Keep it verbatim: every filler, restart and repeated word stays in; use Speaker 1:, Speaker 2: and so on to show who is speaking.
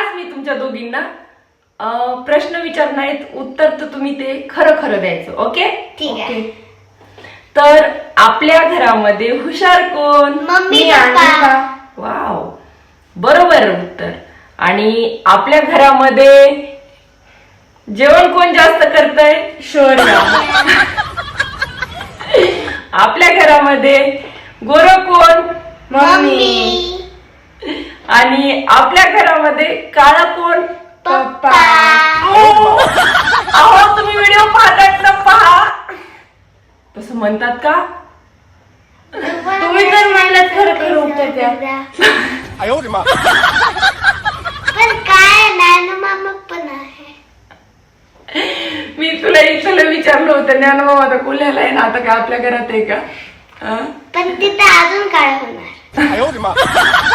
Speaker 1: आज मी तुमच्या दोघींना प्रश्न विचारणार आहेत, उत्तर तर तुम्ही ते खरं खरं द्यायचं. ओके
Speaker 2: ठीक आहे.
Speaker 1: तर आपल्या घरामध्ये हुशार कोण?
Speaker 2: मम्मी,
Speaker 1: मी आणि
Speaker 2: पप्पा.
Speaker 1: का? वाव, बरोबर उत्तर. आणि आपल्या घरामध्ये जेवण कोण जास्त करतय? शौर्य. आपल्या घरामध्ये गोरं कोण?
Speaker 2: मम्मी.
Speaker 1: आणि आपल्या घरामध्ये काळं कोण?
Speaker 2: पप्पा.
Speaker 1: अहो तुम्ही व्हिडिओ पाहतात ना, पहा. तसं म्हणतात का? तुम्ही तर म्हणलात खरं खरं उत्तर द्या.
Speaker 2: पण काय नानू मामा पण आहे.
Speaker 1: मी तुला इथलं विचारलं होतं, ज्ञानोबा आता कुल्याला आहे ना, आता का आपल्या घरात आहे का?
Speaker 2: पण तिथे अजून काय होणार.